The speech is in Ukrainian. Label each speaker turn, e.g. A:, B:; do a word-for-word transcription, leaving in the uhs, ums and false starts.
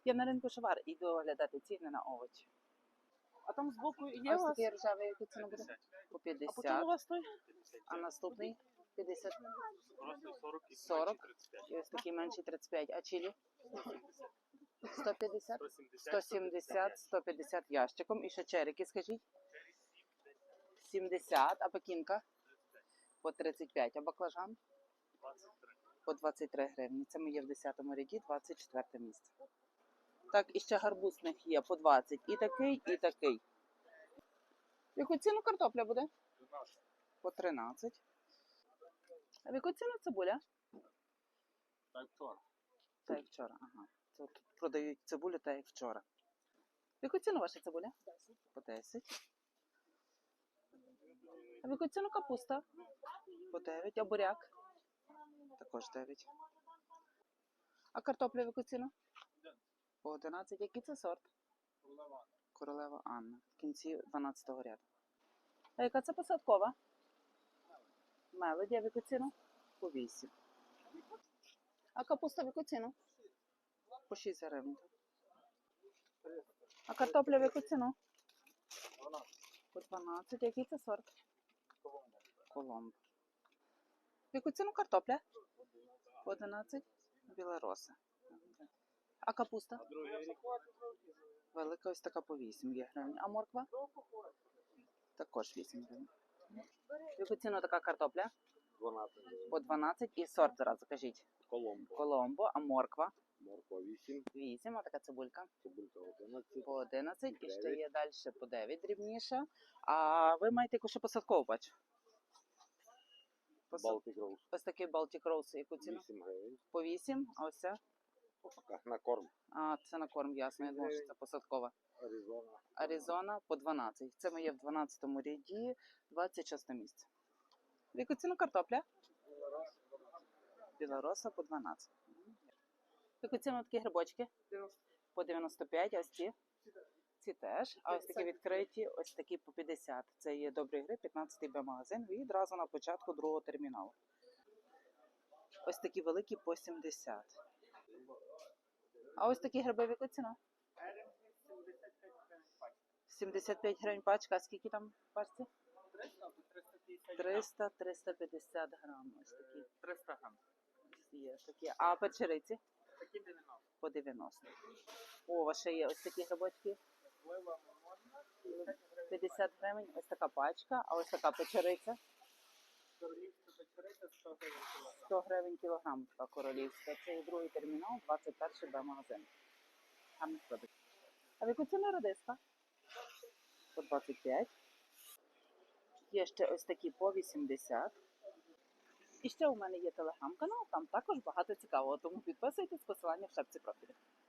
A: Я на ринку Шовар іду оглядати ціни на овочі.
B: А там збоку є у
A: Ось
B: вас?
A: такий ржавий, яку ціну буде? По
B: А по чому у
A: п'ятдесят.
B: вас той?
A: А наступний п'ятдесят.
C: Просто сорок і
A: сорок.
C: тридцять п'ять.
A: І ось такий менший тридцять п'ять. А чилі? сто п'ятдесят.
C: сто сімдесят.
A: сто сімдесят, сто п'ятдесят ящиком. І ще черики, скажіть? сімдесят. А пекінка? По тридцять п'ять. А баклажан?
C: двадцять три.
A: По двадцять три гривні. Це ми є в десятому ряді, двадцять четверте місце. Так, і ще гарбузних є по двадцять. І такий, і такий. В яку ціну картопля буде? По тринадцять. А в яку ціну цибуля?
C: Так, вчора.
A: Та як вчора, ага. Це тут продають цибулю та як вчора. В яку ціну ваша цибуля? По десять. А в яку ціну капуста? По дев'ять. А буряк? Також дев'ять. А картопля в яку ціну? По одинадцять. Який це сорт? Королева Анна. В кінці дванадцятого ряду. А яка це посадкова? Мелоді. А в яку ціну? По вісім. А капуста в яку ціну? По шість гривень. А картопля в яку ціну? По дванадцять. Який це сорт? Коломбо. В яку ціну картопля? По одинадцять. Білороса. А капуста? Велика ось така по вісім є гривень. А морква? Також вісім гривень. В яку ціну така картопля?
C: дванадцять.
A: По дванадцять. І сорт зараз, кажіть.
C: Коломбо.
A: Коломбо. А морква?
C: Морква вісім.
A: вісім. А така цибулька?
C: Цибулька одинадцять.
A: По одинадцять. І ще є далі по дев'ять дрібніше. А ви маєте яку ще посадкову, бачу? Посад-
C: Балтик Роуз.
A: Ось такий Baltic Rose. Яку ціну?
C: вісім гривень.
A: По вісім. А ось це?
C: На корм.
A: А, це на корм, ясно. Я думаю, що це посадкова.
C: Аризона.
A: Аризона по дванадцять. Це ми є в дванадцятому ряді, двадцять шосте місце. В яку ціну картопля? Білороса по дванадцять. В яку ціну такі грибочки? По дев'яносто п'ять, а ось ці? Ці теж. А ось такі відкриті, ось такі по п'ятдесят. Це є добрий гриб, п'ятнадцятий Б-магазин. І одразу на початку другого терміналу. Ось такі великі по сімдесят. А ось такі гриби в яку ціну? сімдесят п'ять гривень пачка. А скільки там в пачці? триста - триста п'ятдесят грам. Ось такі.
B: триста грам.
A: Є такі. А печериці?
B: Такі дев'яносто.
A: По дев'яносто. О, у вас ще є ось такі грибочки. п'ятдесят гривень. Ось така пачка. А ось така печериця.
B: Королівська печериця сто гривень кілограм.
A: сто гривень кілограм така королівська. Це є другий термінал, двадцять перший Б-магазин. Гарний продукт. А в яку ціну редиска? По двадцять п'ять. Є ще ось такі по вісімдесят. І ще у мене є телеграм-канал, там також багато цікавого, тому підписуйтесь, посилання в шапці профілю.